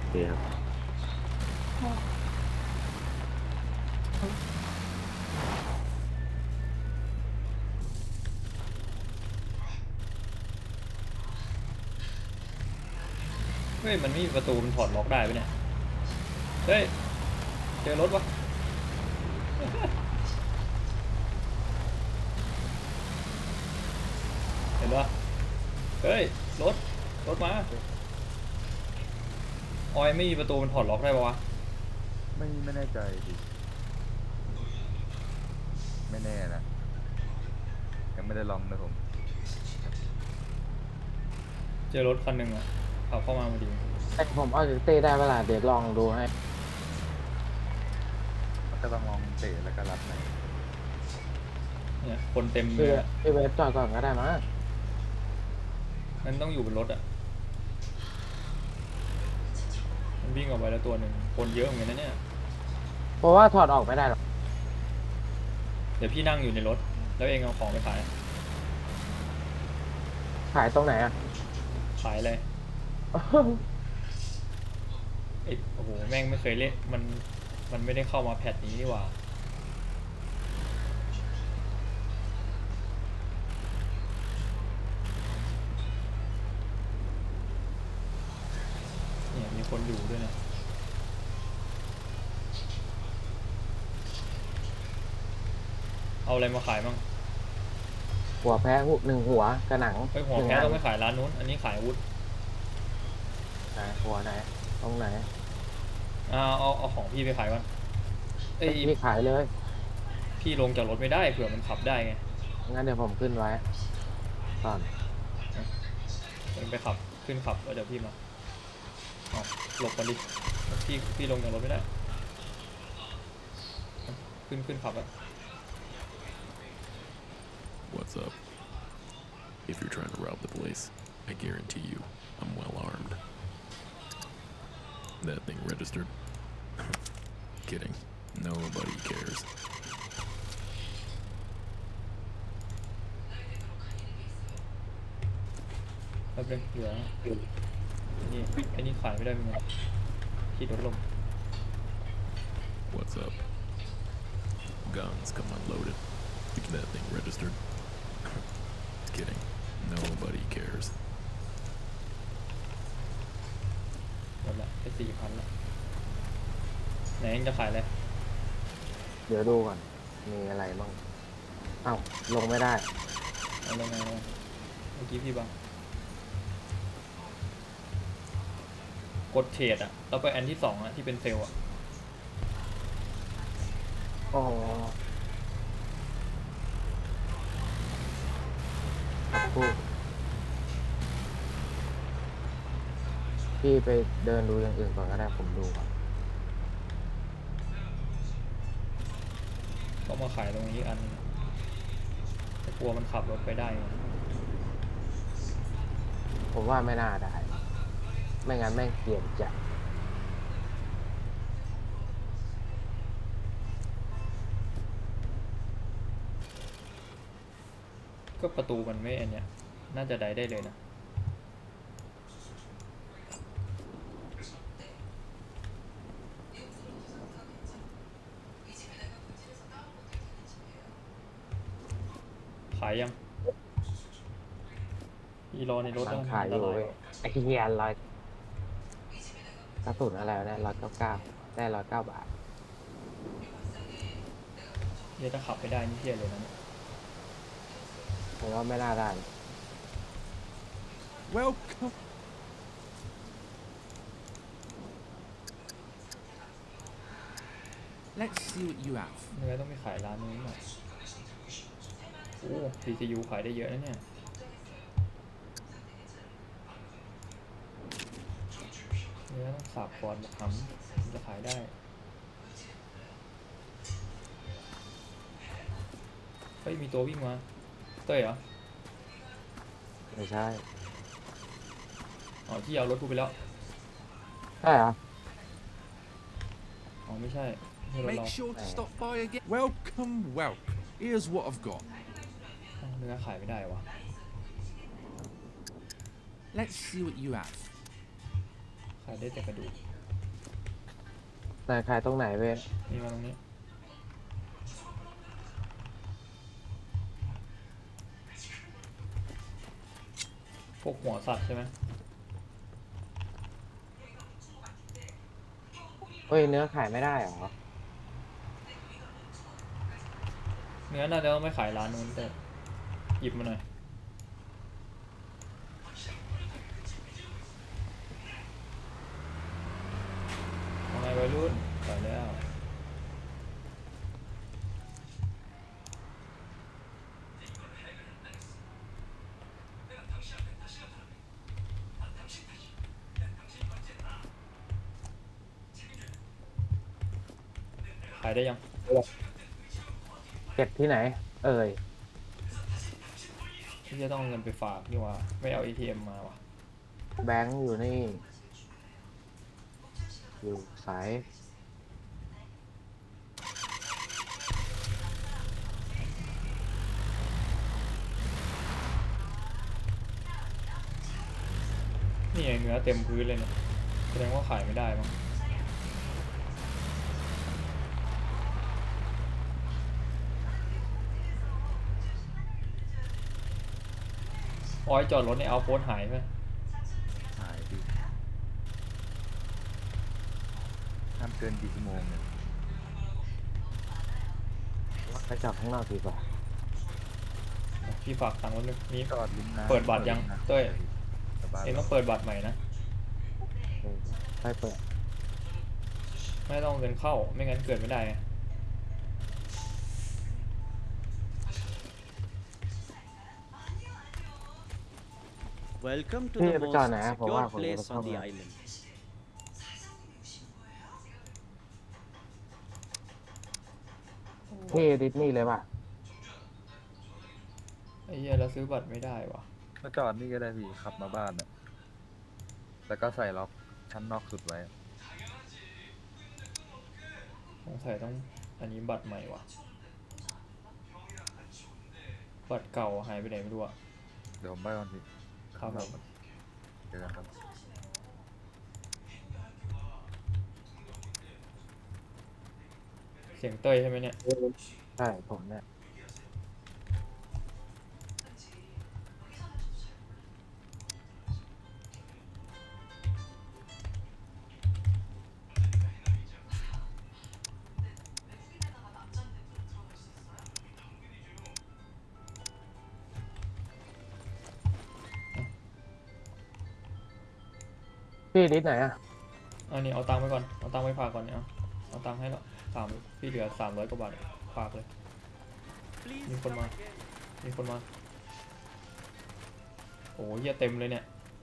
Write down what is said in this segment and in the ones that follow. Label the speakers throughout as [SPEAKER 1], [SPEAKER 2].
[SPEAKER 1] เคครับ
[SPEAKER 2] เฮ้ยมันไม่มีประตูมันถอดล็อกได้ปะเนี่ยเฮ้ยเจอรถวะเห็นปะเฮ้ยรถมาออยไม่มีประตูมันถอดล็อกได้ปะวะ
[SPEAKER 3] ไม่แน่ใจดิไม่แน่นะยังไม่ได้ลองนะผม
[SPEAKER 2] เจอรถคันหนึ่งอะขับเข้ามาพอดี
[SPEAKER 4] แต่ผมเอาจากเต้ได้เวลาเดี๋ยวลองดูให้
[SPEAKER 3] มันก็ต้องลองเตะแล้วก็รับใน
[SPEAKER 2] เนี่ยคนเต็มเล
[SPEAKER 4] พี่
[SPEAKER 2] ยอะ
[SPEAKER 4] พี่เวฟจอดก่อนก็ได้มั้ง
[SPEAKER 2] มันต้องอยู่บนรถอะมันวิ่งออกไปแล้วตัวหนึ่งคนเยอะเหมือนกันนะเนี่ย
[SPEAKER 4] เพราะว่าถอดออกไม่ได้หรอก
[SPEAKER 2] เดี๋ยวพี่นั่งอยู่ในรถแล้วเองเอาของไปขาย
[SPEAKER 4] ขายตรงไหนอ่ะ
[SPEAKER 2] ขายเลยโอ้โหแม่งไม่เคยเล่นมันไม่ได้เข้ามาแพทนี้นี่หว่าเนี่ยมีคนอยู่ด้วยนะเอาอะไรมาขายบ้าง
[SPEAKER 4] หัวแพ้หนึ่งหัวกระหนัง
[SPEAKER 2] เฮ้ยหัว
[SPEAKER 4] หนึ่ง
[SPEAKER 2] แพ้
[SPEAKER 4] อัน
[SPEAKER 2] ต้องไปขายร้านนู้นอันนี้ขายอาวุธ
[SPEAKER 4] ไหนหัวไหนตรงไหน
[SPEAKER 2] เอาของพี่ไปขายก่อนเอ้ย
[SPEAKER 4] พี่ขายเลย
[SPEAKER 2] พี่ลงจากรถไม่ได้เผื่อมันขับได้ไง
[SPEAKER 4] งั้นเดี๋ยวผมขึ้นไว้ก่อน
[SPEAKER 2] เองไปขับขึ้นขับแล้วเดี๋ยวพี่มาเอาหลบก่อนดิพี่ลงจากรถไม่ได้ขึ้นขับอะ
[SPEAKER 5] What's up? If you're trying to rob the place, I guarantee you I'm well armed. That thing registered? Kidding. Nobody cares.
[SPEAKER 2] แป๊บนึงเหลือนี่ไอ้นี่ขายไม่ได้เป็นไงที่รถลม
[SPEAKER 5] What's up? Guns come unloaded. That thing registered? Kidding. Nobody cares.
[SPEAKER 2] หมดละไป4,000ละไหนเองจะขายอะไร
[SPEAKER 4] เดี๋ยวดูก่อนมีอะไรบ้างเอ้าลงไม่ได้
[SPEAKER 2] เอาลงมาเมื่อกี้พี่บังกดเทรดอะแล้วไปอันที่2อะที่เป็นเซลล์อะ
[SPEAKER 4] อ๋อครับพี่ไปเดินดูอย่างอื่นก่อนก็ได้ผมดูก่อน
[SPEAKER 2] ก็มาขายตรงนี้อันนึงแต่กลัวมันขับรถไปได้ไง
[SPEAKER 4] ผมว่าไม่น่าได้ ไม่งั้นแม่งเกลียดจัด
[SPEAKER 2] ก็ประตูมันไม่อันเนี้ยน่าจะได้เลยนะขายยังอีรอในรถ
[SPEAKER 4] ร้า
[SPEAKER 2] แล้ว
[SPEAKER 4] น
[SPEAKER 2] มัน
[SPEAKER 4] ขาย
[SPEAKER 2] อัน
[SPEAKER 4] อ
[SPEAKER 2] ต
[SPEAKER 4] ยู่
[SPEAKER 2] ราย
[SPEAKER 4] เว้ยไอ้เหี้ยกระสุนอะไรวะเนี่ย199ได้109 บาท
[SPEAKER 2] เดี๋ยวจะขับไปได้นี่เที่ยเลยนะเนี่ย
[SPEAKER 4] ผมว่าไม่น่าได้
[SPEAKER 6] Welcome. Let's see what you have.
[SPEAKER 2] เนื้อต้องไปขายร้านนู้นหน่อยโอ้ PCU ขายได้เยอะนะเนี่ยเนื้อต้องสับก่อนมาทำจะขายได้เฮ้ยมีตัววิ่งมาเต้ยเหรอ
[SPEAKER 4] ไม่ใช่
[SPEAKER 2] อ๋อที่เอารถกูไปแล้ว
[SPEAKER 4] ใช่เหรอ
[SPEAKER 2] อ๋อไม่ใช่ไม่รถเรา
[SPEAKER 6] Make sure to stop by again. Welcome. Here's what I've got.
[SPEAKER 2] เนื้อขายไม่ได้วะ
[SPEAKER 6] Let's see what you have.
[SPEAKER 2] ขายได้แต่กระดูก
[SPEAKER 4] แต่ขายตรงไหนเว้ย
[SPEAKER 2] นี่มาตรงนี้พวกหัวสัตว์ใช่ไหม
[SPEAKER 4] เฮ้ยเนื้อขายไม่ได้เหรอ
[SPEAKER 2] เนื้อน่าจะต้องไม่ขายร้านนู้นแต่หยิบมาหน่อยเอาไงวัยรุ่นไปแล้ว ขายได้ยัง
[SPEAKER 4] เก็บที่ไหน เอ่ย
[SPEAKER 2] ที่จะต้องเอาเงินไปฝากนี่หว่าไม่เอา ATM มาว่ะ
[SPEAKER 4] แบงค์อยู่นี่ อยู่สาย
[SPEAKER 2] นี่ไงเนื้อเต็มพื้นเลยเนี่ยแสดงว่าขายไม่ได้มั้งออยจอดรถในเอาโพสหายไหม
[SPEAKER 3] หายดิห้ามเกินกี่ชั่วโมงเนี่ย
[SPEAKER 4] ไปจอดข้างนอกดีกว่า
[SPEAKER 2] พี่ฝากตังค์ไว้นึงนี่
[SPEAKER 3] จอดริมน้ำ
[SPEAKER 2] เปิดบัตรยังเต้ย
[SPEAKER 3] สบาย
[SPEAKER 2] เองต้องเปิดบัตรใหม่นะ
[SPEAKER 4] ไปเปิด
[SPEAKER 2] ไม่ต้องเอาเงินเข้าไม่งั้นเกิดไม่ได้ไง
[SPEAKER 1] Welcome to
[SPEAKER 4] พี่
[SPEAKER 1] the
[SPEAKER 4] จะไปจอด
[SPEAKER 1] most
[SPEAKER 4] ไหนอะผมว่า
[SPEAKER 1] secure
[SPEAKER 4] ผมจะ
[SPEAKER 1] place
[SPEAKER 4] เข้า
[SPEAKER 1] on the
[SPEAKER 4] มา
[SPEAKER 1] island.
[SPEAKER 4] พี่ดิสนีย์เลยป่ะ
[SPEAKER 2] ไอ้เหี้ยเราซื้อบัตรไม่ได้ว่ะ
[SPEAKER 3] มาจอดนี่ก็ได้พี่ขับมาบ้านน่ะแล้วก็ใส่ล็อกชั้นนอกสุดไว้
[SPEAKER 2] สงสัยต้องอันนี้บัตรใหม่ว่ะบัตรเก่าหายไปไหนไม่รู้อะ
[SPEAKER 3] เดี๋ยวผมไปก่อนพี่
[SPEAKER 2] ครับผม
[SPEAKER 3] เจอกันครับ
[SPEAKER 2] เสียงเต้ยใช่ไหมเนี่ย
[SPEAKER 4] ใช่ผมเนี่ย พี่ดิสไหนอ่ะ
[SPEAKER 2] อันนี้เอาตังค์ไปก่อนเอาตังค์ไปฝากก่อนเนี่ยเอาตังค์ให้แล้วพี่เหลือ300 กว่าบาทฝากเลย มีคนมา มีคนมาโอ้ยเหี้ยเต็มเลยเนี่ย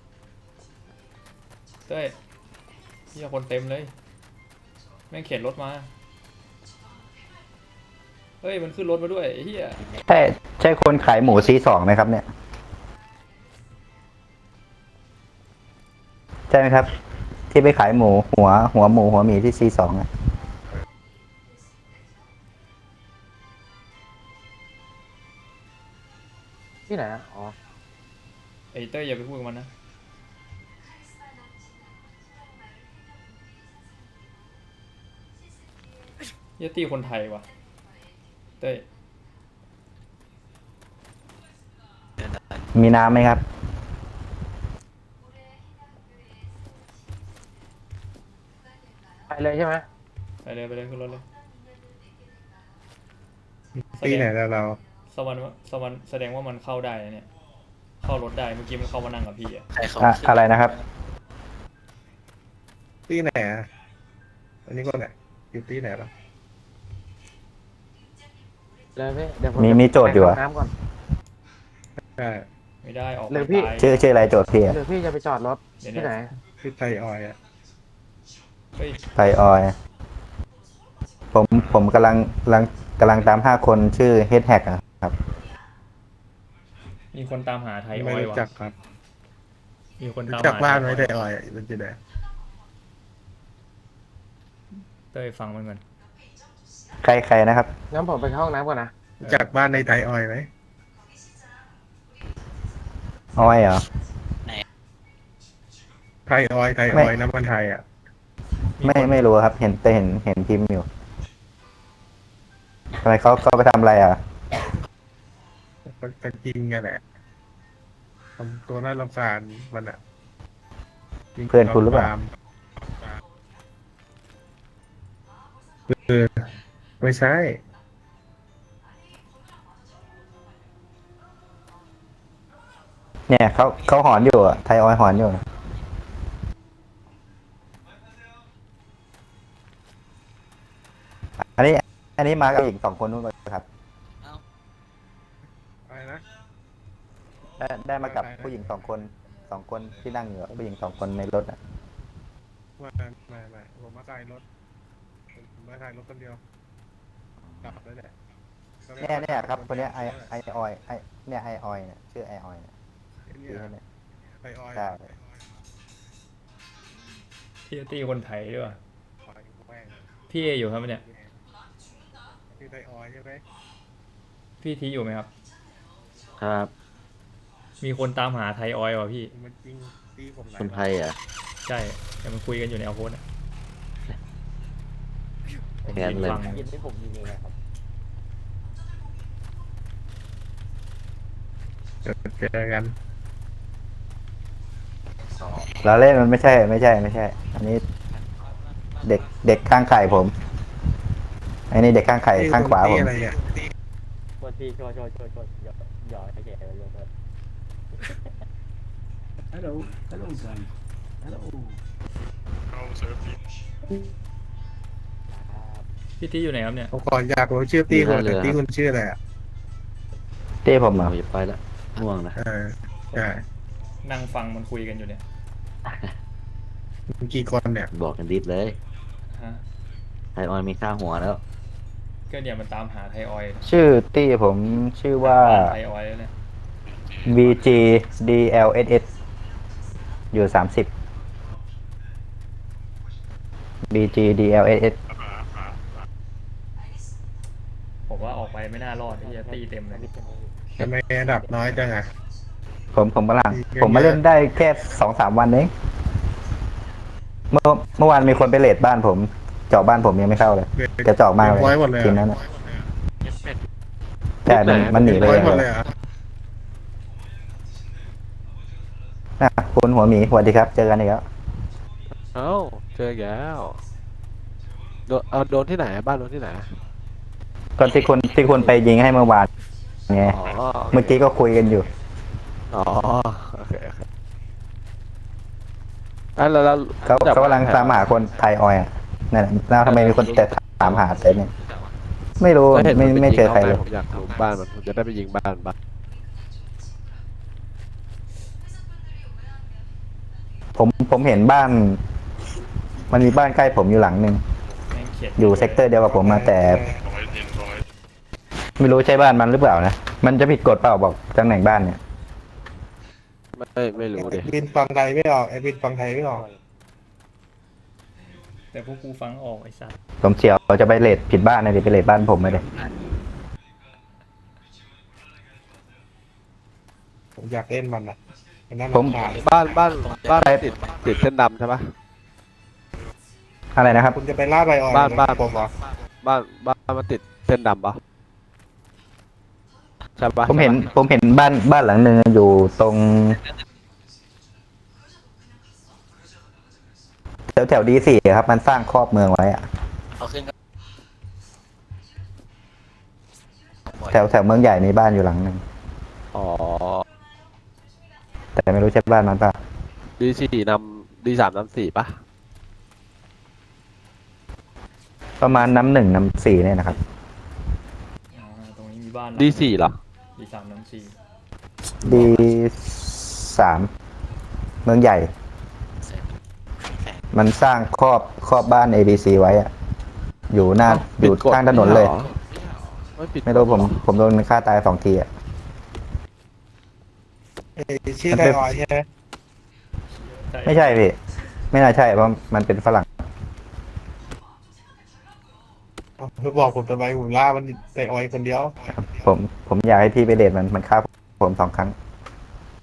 [SPEAKER 2] เต้ยเหี้ยคนเต็มเลยแม่งเข็นรถมาเฮ้ยมันขึ้นรถมาด้วยไอ้เหี้ย
[SPEAKER 7] ใช่คนขายหมูC2ไหมครับเนี่ย ใช่ไหมครับ ที่ไปขายหมูหัวหมูหัวหมีที่C2อ่ะ
[SPEAKER 4] ที่ไหนอ่ะ อ๋อ
[SPEAKER 2] ไอ้เต้ยอย่าไปพูดกับมันนะเหี้ยตีคนไทยว่ะเต้ย
[SPEAKER 7] มีน้ำไหมครับ
[SPEAKER 4] ไปเลยใช่ไหม
[SPEAKER 2] ไปเลยขึ้นรถเลย
[SPEAKER 8] ตีไหนแล้วเรา
[SPEAKER 2] สวรรค์แสดงว่ามันเข้าได้นะเนี่ยเข้ารถได้เมื่อกี้มันเข้ามานั่งกับพี่อะ
[SPEAKER 7] อะไรนะครับ
[SPEAKER 8] ตีไหนอ่ะอันนี้ก็ไหนอยู่ตีไหนล่ะ
[SPEAKER 4] เลยพี่เดี๋ยวผม
[SPEAKER 7] มีโจทย์อยู่อะ
[SPEAKER 4] ไปเข้าน้ำก่อน
[SPEAKER 8] ใช่
[SPEAKER 2] ไม่ได้ออก
[SPEAKER 4] หรือพี่
[SPEAKER 2] ไปตาย
[SPEAKER 7] ชื่ออะไรโจทย์พี่อะ
[SPEAKER 4] หรือพี่จะไปจอดรถ
[SPEAKER 2] เดี๋ยว
[SPEAKER 4] ที่
[SPEAKER 2] เนี่
[SPEAKER 4] ไหน
[SPEAKER 2] ย
[SPEAKER 8] คือไทยออยอ่ะ
[SPEAKER 2] เฮ้ย
[SPEAKER 7] ไทยออยล์ผมกำลังตาม5 คนชื่อเฮดแฮกครับ
[SPEAKER 2] มีคนตามหาไทยอ
[SPEAKER 8] ไม่
[SPEAKER 2] อย
[SPEAKER 8] รู้
[SPEAKER 2] ว่ะ
[SPEAKER 8] จักครับ
[SPEAKER 2] มีคน
[SPEAKER 8] รู้
[SPEAKER 2] ตาม
[SPEAKER 8] จัก
[SPEAKER 2] หา
[SPEAKER 8] บ้านไหม
[SPEAKER 2] ไท
[SPEAKER 8] ไท
[SPEAKER 2] ย
[SPEAKER 8] ย
[SPEAKER 2] อ
[SPEAKER 8] อ
[SPEAKER 2] อย
[SPEAKER 8] อยมันจะไหน
[SPEAKER 2] เต้ยฟังมันก่อน
[SPEAKER 7] ใครนะครับ
[SPEAKER 4] งั้นผมไปเข้าห้องน้ำก่อนนะ
[SPEAKER 8] รู้จักบ้านในไทยออยไหม
[SPEAKER 7] ออยเหรอ
[SPEAKER 8] ไทยออย
[SPEAKER 7] ไม่
[SPEAKER 8] น้ำมันไทยอ่ะ
[SPEAKER 7] ไม่รู้ครับ เห็นแต่เห็นพิมพ์อยู่ทำไมเขาไปทำอะไรอ่ะ
[SPEAKER 8] เป็นจริงไงแหละทำตัวน่ารำคาญมันอ่ะ
[SPEAKER 7] เพื่อนคุณหรือเปล่า
[SPEAKER 8] ไม่ใช่
[SPEAKER 7] เนี่ยเขาหอนอยู่อ่ะไทยออยหอนอยู่อันนี้มากับอีก2 คนนู้นเลยครับ
[SPEAKER 8] อะไรนะ
[SPEAKER 7] ได้มากับผู้หญิง2 คนที่นั่งอยู่อะผู้หญิง2 คนในรถอ่ะ
[SPEAKER 8] ไม่ผมมาขายรถผมมาขายรถคนเดียวกลับแล้วแหละ
[SPEAKER 7] เนี่ยครับคนเนี้ยไอออยเนี่ยไอออยเนี่ยชื่อไอออยเนี่ย
[SPEAKER 8] เนี่
[SPEAKER 7] ชื่
[SPEAKER 8] ย
[SPEAKER 7] อเนี่ย
[SPEAKER 8] ไอออย
[SPEAKER 7] ใช่
[SPEAKER 2] พี่ตีคนไทยด้วยวะ
[SPEAKER 8] ปล่อยแม่ง
[SPEAKER 2] พี่เออยู่ครับเนี่ย
[SPEAKER 8] คือไอออยใช่ไหม
[SPEAKER 2] พี่ทีอยู่ไหมครับ
[SPEAKER 9] ครับ
[SPEAKER 2] มีคนตามหาไทยออยล์ว่ะพี่
[SPEAKER 8] มันจริงตีผมหลาย
[SPEAKER 9] คนไทยอ่ะ
[SPEAKER 2] ใช่แต่มันคุยกันอยู่ในเอาโพสอ่ะผม
[SPEAKER 9] แค้น
[SPEAKER 2] ยืน
[SPEAKER 9] เลย
[SPEAKER 2] ฟัง
[SPEAKER 4] ยินที่ผมยิงเองนะครับ
[SPEAKER 8] เจอกัน
[SPEAKER 7] เราเล่นมันไม่ใช่ อันนี้เด็กข้างไข่ผมอันนี้เด็กข้างไข่ข้างขวาผม
[SPEAKER 8] อะไรเนี่ย
[SPEAKER 4] โทษพี่โทษหยอกให้แกไปเรื่อย
[SPEAKER 1] Hello, guys. Hello.
[SPEAKER 2] พี่ทีอยู่ไหนครับเนี่ย
[SPEAKER 8] ผมก่อนอยากรู้ชื่อตีคนแต่ตีคุณชื่ออะไรอ่ะ
[SPEAKER 7] เต้ผมเหรอ
[SPEAKER 9] เราอย่าไปละง่วงนะ
[SPEAKER 8] ใช่
[SPEAKER 2] นั่งฟังมันคุยกันอยู่เนี่ย
[SPEAKER 8] มีกี่คนเนี่ย
[SPEAKER 9] บอกกันดิดเลย
[SPEAKER 2] ฮะ
[SPEAKER 9] ไทยออยมีค่าหัวแล้ว
[SPEAKER 2] ก็เนี่ยมันตามหาไทยออยล์
[SPEAKER 7] ชื่อตี้ผมชื่อว่า
[SPEAKER 2] ไทยออยล์แล้วเนี่ย
[SPEAKER 7] VG DLSS อยู่30 VG DLSS
[SPEAKER 2] ผมว่าออกไปไม่น่ารอดที่จะตีเต็มเลย
[SPEAKER 8] ทำไมอันดับน้อยจังอ่ะ
[SPEAKER 7] ผมกำลังผมมาเล่นได้แค่ 2-3 วันเองเมื่อวานมีคนไปเลดบ้านผม เจาะบ้านผมยังไม่เข้าเลยจะเจาะมากเลย
[SPEAKER 8] ร้อยหมดเลย
[SPEAKER 7] ทีมนั้นอะใช่มันหนีไป
[SPEAKER 8] ร้
[SPEAKER 7] เล
[SPEAKER 8] อย
[SPEAKER 7] ย
[SPEAKER 8] หมดเลยอ่ะ
[SPEAKER 7] นะคุณหัวหมีสวัสดีครับ เจอกันอีกแล้ว
[SPEAKER 10] เอ้าเจอแล้วโดนที่ไหนบ้านโดนที่ไหน
[SPEAKER 7] ก็ที่คุณไปยิงให้เมื่อวานไง
[SPEAKER 10] อ๋อ
[SPEAKER 7] เมื่อกี้ก็คุยกันอยู่
[SPEAKER 10] อ๋อโอเคแล้ว
[SPEAKER 7] เขากำลังตามหาคนไทยออยอะนั่นแหละแล้วทำไมมีคนแต่ถามหาแต่เนี่ยไม่รู้
[SPEAKER 10] ก็เห็นนป
[SPEAKER 7] ไม่เจอใครเลย
[SPEAKER 10] ผมอยากรู้บ้านมันผมจะได้ไปยิงบ้าน
[SPEAKER 7] ผมเห็นบ้าน มันมีบ้านใกล้ผมอยู่หลังหนึ่ง
[SPEAKER 2] แม่งเขียน
[SPEAKER 7] อยู่เซกเตอร์เดียวกับผมมาแต่ ไม่รู้ใช่บ้านมันหรือเปล่านะมันจะผิดกฎเปล่าบอกตำแหน่งบ้านเนี่ย
[SPEAKER 10] ไม่รู้ดิ
[SPEAKER 8] บินฟังไทยไม่ออกไอ้บินฟังไทยไม่ออก
[SPEAKER 2] แต่พวกกูฟังออกไอ้สัส
[SPEAKER 7] ผมเฉียวจะไปเลทผิดบ้านนะดิไปเลทบ้านผมไม่ได้
[SPEAKER 8] ผมอยากเล่นมันอ่ะไอ้นั่น
[SPEAKER 7] ผม
[SPEAKER 8] ขาด
[SPEAKER 10] บ้านติดเส้นดำใช่ปะ
[SPEAKER 7] อะไรนะครับ
[SPEAKER 8] คุณจะไปล่าใบอ่อน
[SPEAKER 10] บ้าน
[SPEAKER 8] ผมเหรอ
[SPEAKER 10] บ้านมันติดเส้นดำปะใช่ปะ
[SPEAKER 7] ผมเห็นบ้านหลังหนึ่งอยู่ตรงแถวD4ครับ มันสร้างครอบเมืองไว้อะแถวเมืองใหญ่มีบ้านอยู่หลังหนึ่ง
[SPEAKER 10] อ๋อ
[SPEAKER 7] แต่ไม่รู้ใช่บ้านมันป่ะ
[SPEAKER 10] D3 นำ4ปะ
[SPEAKER 7] ประมาณน้ำ1น้ำ4เนี่ยนะครับ
[SPEAKER 2] อ่าตรงนี้มีบ้าน
[SPEAKER 10] D4 เหรอ
[SPEAKER 2] D3
[SPEAKER 7] D3 เมืองใหญ่ มันสร้างครอบบ้าน ABC ไว้อะอยู่ข้างถนนเลย ไม่รู้ผมโดนฆ่าตาย2 ทีอะ
[SPEAKER 8] ชื่อไทยออยใช่ไหม
[SPEAKER 7] ไม่ใช่พี่ ไม่น่าใช่เพราะมันเป็นฝรั่ง
[SPEAKER 8] คือบอกผมทำไมผมล่ามันไทยออยคนเดียว
[SPEAKER 7] ผมอยากให้พี่ไปเดทมันฆ่าผม2 ครั้ง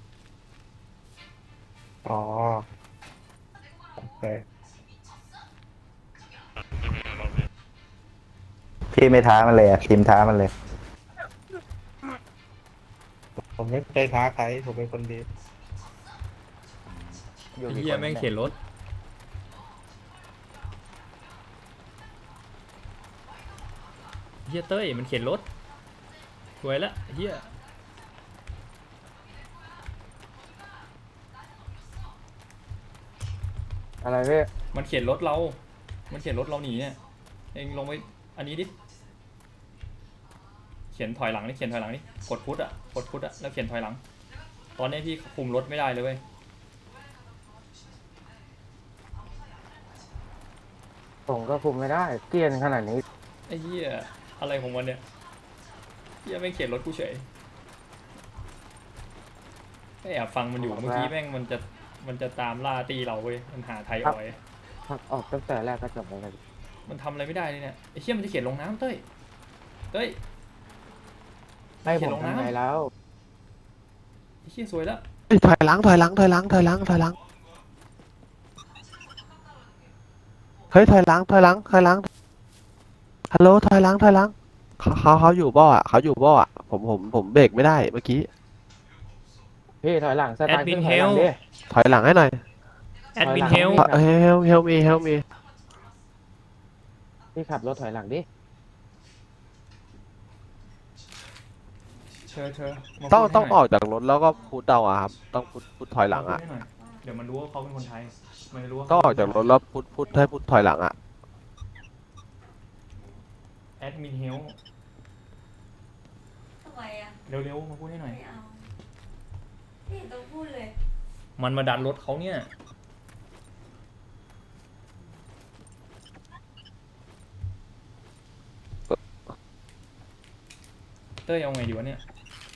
[SPEAKER 8] อ๋อโอเค
[SPEAKER 7] พี่ไม่ท้ามันเลยอะทีมท้ามันเลย
[SPEAKER 8] ผมไม่เคยท้าใครผมเป็นคนดี
[SPEAKER 4] อยู่
[SPEAKER 2] ไอ้
[SPEAKER 4] กี่
[SPEAKER 2] เหี้ย
[SPEAKER 4] คน
[SPEAKER 2] แม่ง
[SPEAKER 4] นี่
[SPEAKER 2] เข็นรถเหี้ยเต้ยมันเข็นรถสวยละเหี้ย
[SPEAKER 4] อะไรพี่
[SPEAKER 2] มันเข็นรถเรา มันเข็นรถเราหนีเนี่ยเองลงไปอันนี้ดิเขียนถอยหลังนี่เขียนถอยหลังนี่กดพุทอะกดพุทอะแล้วเขียนถอยหลัง ตอนนี้พี่คุมรถไม่ได้เลยเว้ย
[SPEAKER 4] ผมก็คุมไม่ได้เกลียนขนาดนี้
[SPEAKER 2] ไอ้เหี้ยอะไรของมันเนี่ยเหี้ยแม่งเขียนรถกูเฉยไม่แอบฟังมันอยู่เมื่อกี้แม่งมันจะตามล่าตีเราเว้ยมันหาไทยออย
[SPEAKER 4] พักออกตั้งแต่แรกก็จบแล้วกัน
[SPEAKER 2] มันทำอะไรไม่ได้เลยเนี่ยไอ้เหี้ยมันจะเขียนลงน้ำเต้ยเต้ย
[SPEAKER 4] ให้
[SPEAKER 2] เขี
[SPEAKER 4] ผ
[SPEAKER 2] ยน
[SPEAKER 4] ม
[SPEAKER 2] ลงน้ำ
[SPEAKER 4] ทำไงแล้ว
[SPEAKER 2] ไอ้เหี้ยสวยแล้ว
[SPEAKER 10] เฮ้ยถอยหลังถอยหลังถอยหลังถอยหลังถอยหลังเฮ้ยถอยหลังถอยหลังถอยหลังฮัลโหลถอยหลังถอยหลังเขาอยู่บ่ออ่ะเขาอยู่บ่ออ่ะผมเบรกไม่ได้เมื่อกี้
[SPEAKER 4] พี่ถอยหลังส
[SPEAKER 2] แอ
[SPEAKER 4] ตา
[SPEAKER 2] ด
[SPEAKER 4] ร์ท
[SPEAKER 2] มิ
[SPEAKER 4] ขึ้
[SPEAKER 2] น
[SPEAKER 4] นถ
[SPEAKER 2] เฮ
[SPEAKER 4] อยหลั
[SPEAKER 2] ล
[SPEAKER 4] งดิ
[SPEAKER 10] ถอยหลังให้หน่อย
[SPEAKER 2] แอดมิน
[SPEAKER 4] ถ
[SPEAKER 2] เฮ
[SPEAKER 4] อย
[SPEAKER 2] ล
[SPEAKER 4] หลัง
[SPEAKER 10] help me
[SPEAKER 4] พี่ขับรถถอยหลังดิ
[SPEAKER 2] เธอมา
[SPEAKER 10] ต้อง
[SPEAKER 2] พูดให้
[SPEAKER 10] ต้อง
[SPEAKER 2] หน่ย
[SPEAKER 10] ออกจากรถแล้วก็พุทเอาอะครับต้องพุทถอยหลังอ่ะ
[SPEAKER 2] มาพูดให้น่ยเดี๋ยวมันรู้ว่าเขาเป็นคนไทยมันรู้ว่า
[SPEAKER 10] ต้องออกจากรถแล้วพุทให้พุทถอยหลังอ่ะ
[SPEAKER 2] แอดมินเฮล
[SPEAKER 11] ทำไมอ่ะ
[SPEAKER 2] เร็วๆมาพูดให้หน่อย
[SPEAKER 11] ไม่เอาไม่เห็นต้องพูดเลย
[SPEAKER 2] มันมาดันรถเขาเนี่ยเต้ยเอาไงดีวะเนี่ย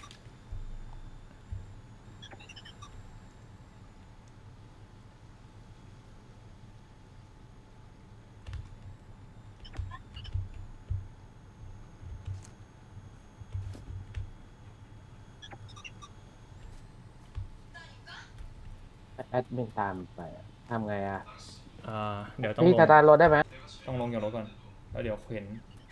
[SPEAKER 4] แอดมินตามไปอะทำไงอ่ะ
[SPEAKER 2] เดี๋ยวต้อง
[SPEAKER 4] พี่
[SPEAKER 2] ล
[SPEAKER 4] ส
[SPEAKER 2] ง
[SPEAKER 4] ตาร์ทรถได้ไหม
[SPEAKER 2] ต้องลงจากรถก่อนแล้วเดี๋ยวเห็น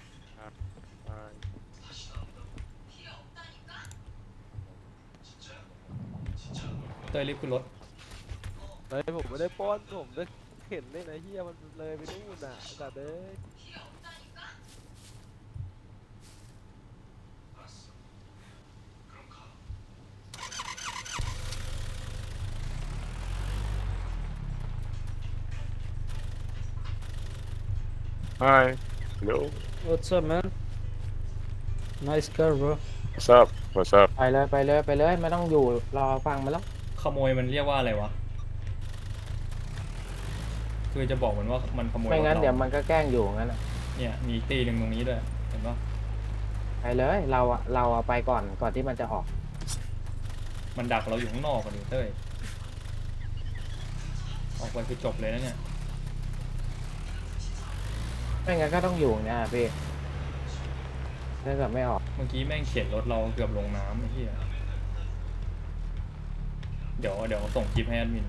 [SPEAKER 2] เต้ยรีบขึ้นรถ
[SPEAKER 10] เฮ้ยผมไม่ได้ป้อนผมได้เห็นเลยนะเฮียมันเลยไปนู่นอ่ะจัดเลย
[SPEAKER 8] Hi hello
[SPEAKER 1] What's up, man? Nice car, bro.
[SPEAKER 8] what's up what's up
[SPEAKER 4] ไปเลยไม่ต้องอยู่รอฟังมันแล้ว
[SPEAKER 2] ขโมยมันเรียกว่าอะไรวะคือจะบอกมันว่ามันขโมย
[SPEAKER 4] ไม่งั้น
[SPEAKER 2] รถ
[SPEAKER 4] เดี๋ยว
[SPEAKER 2] รา
[SPEAKER 4] มันก็แกล้งอยู่งั้นอะ
[SPEAKER 2] เนี่ยมีอีกตีหนึ่งตรงนี้ด้วยเห็นปะ
[SPEAKER 4] ไปเลยเราอะไปก่อนที่มันจะออก
[SPEAKER 2] มันดักเราอยู่ข้างนอกกันดิเต้ยออกไปคือจบเลยนะเนี่ย
[SPEAKER 4] ไม่งั้นก็ต้องอยู่เนี่ยพี่ถ้าเกิดไม่ออก
[SPEAKER 2] เมื่อกี้แม่งเขียนรถเราเกือบลงน้ำไอ้เหี้ยเดี๋ยวส่งคลิปให้แอดมิน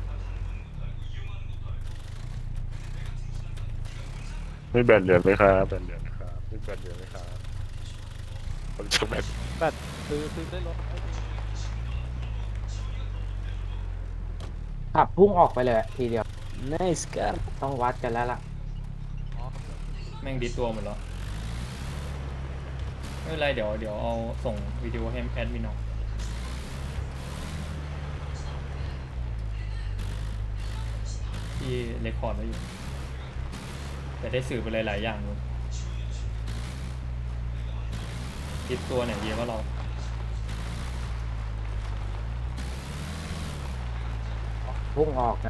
[SPEAKER 8] ไม่แบนเหรียญไหมครับแบนเหรียญครับไม่แบนเหรียญไหมครับผมจะแบน
[SPEAKER 10] ซื้อได้รถ
[SPEAKER 4] ขับพุ่งออกไปเลยทีเดียว
[SPEAKER 1] Nice car.
[SPEAKER 4] ต้องวัดกันแล้วล่ะ
[SPEAKER 2] แม่งดิสตัวหมดแล้วไม่เป็นไรเดี๋ยวเอาส่งวิดีโอให้แอดมินเอาที่เรคคอร์ดไว้อยู่แต่ได้สื่อไปหลายๆอย่างเลยดิสตัวไหนดีว่าเรา
[SPEAKER 4] พุ่งออกนะ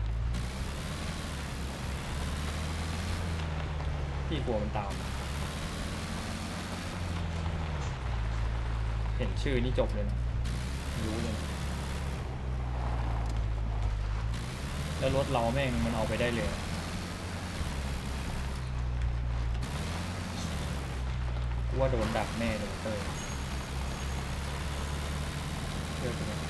[SPEAKER 2] พี่กลัวมันตามเห็นชื่อนี่จบเลยนะรู้เลยนะแล้วรถเราแม่งมันเอาไปได้เลยกูว่าโดนดักแน่เลยเต้ยเชื่อกูไหม